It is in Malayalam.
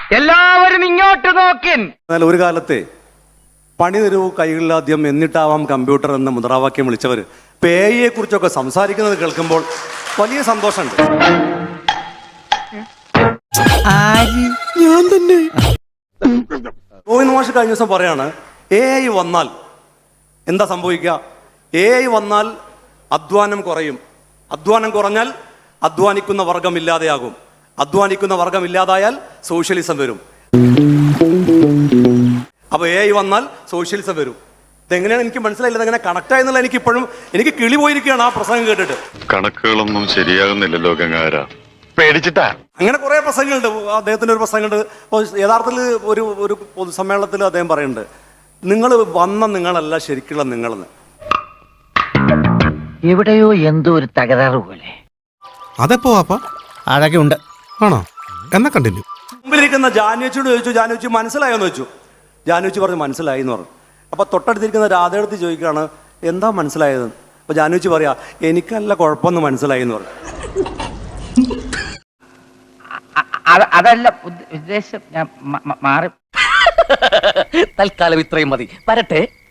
എല്ലാവരും ഇങ്ങോട്ട് നോക്കിൻ. എന്നാൽ ഒരു കാലത്തെ പണി തരൂ കൈകളിലാദ്യം എന്നിട്ടാവാം കമ്പ്യൂട്ടർ എന്ന മുദ്രാവാക്യം വിളിച്ചവർ പേയെ കുറിച്ചൊക്കെ സംസാരിക്കുന്നത് കേൾക്കുമ്പോൾ വലിയ സന്തോഷമുണ്ട്. ഞാൻ തന്നെ ഗോവിന്ദ മാഷ് കഴിഞ്ഞ ദിവസം പറയാണ് AI വന്നാൽ എന്താ സംഭവിക്കുക? AI വന്നാൽ അധ്വാനം കുറയും, അധ്വാനം കുറഞ്ഞാൽ അധ്വാനിക്കുന്ന വർഗം ഇല്ലാതെയാകും, അധ്വാനിക്കുന്ന വർഗം ഇല്ലാതായാൽ സോഷ്യലിസം വരും. അപ്പൊ AI വന്നാൽ സോഷ്യലിസം വരും. ഇതെങ്ങനെയാണ് എനിക്ക് മനസ്സിലായില്ല, ഇതെങ്ങനെ കണക്ട് ആയെന്നുള്ള എനിക്ക് കിളി പോയിരിക്കുകയാണ് ആ പ്രസംഗം കേട്ടിട്ട്. കണക്കുകളൊന്നും ശരിയാകുന്നില്ലല്ലോ ഗംഗാര, പേടിച്ചിട്ടാ. അങ്ങനെ കുറെ പ്രസംഗങ്ങളുണ്ട്. അദ്ദേഹത്തിന്റെ ഒരു പ്രസംഗമുണ്ട്. അപ്പോൾ യഥാർത്ഥത്തിൽ ഒരു പൊതുസമ്മേളനത്തിൽ അദ്ദേഹം പറയുന്നുണ്ട്, നിങ്ങൾ വന്ന നിങ്ങളല്ല ശരിക്കുള്ള നിങ്ങളെന്ന്. എവിടെയോ എന്തോ ഒരു തകരാറ് പോലെ. അതെപ്പോ വാപ്പ അഴകെ ഉണ്ട് ആണോ? എന്നാ കണ്ടിന്യൂ. മുമ്പിലിരിക്കുന്ന ജാനുവച്ചിയോട് ചോദിച്ചു, ജാനുവച്ചി മനസ്സിലായോന്ന് ചോദിച്ചു. ജാനുവച്ചി പറഞ്ഞു മനസ്സിലായി എന്ന് പറഞ്ഞു. അപ്പൊ തൊട്ടടുത്തിരിക്കുന്ന രാധയെടുത്ത് ചോദിക്കുകയാണ് എന്താ മനസ്സിലായത്? അപ്പൊ ജാനുവച്ചി പറയാ എനിക്കല്ല കുഴപ്പമൊന്നും മനസ്സിലായി എന്ന് പറഞ്ഞു. അതല്ല ഉദ്ദേശം, ഞാൻ മാറി. തൽക്കാലം ഇത്രയും മതി, വരട്ടെ.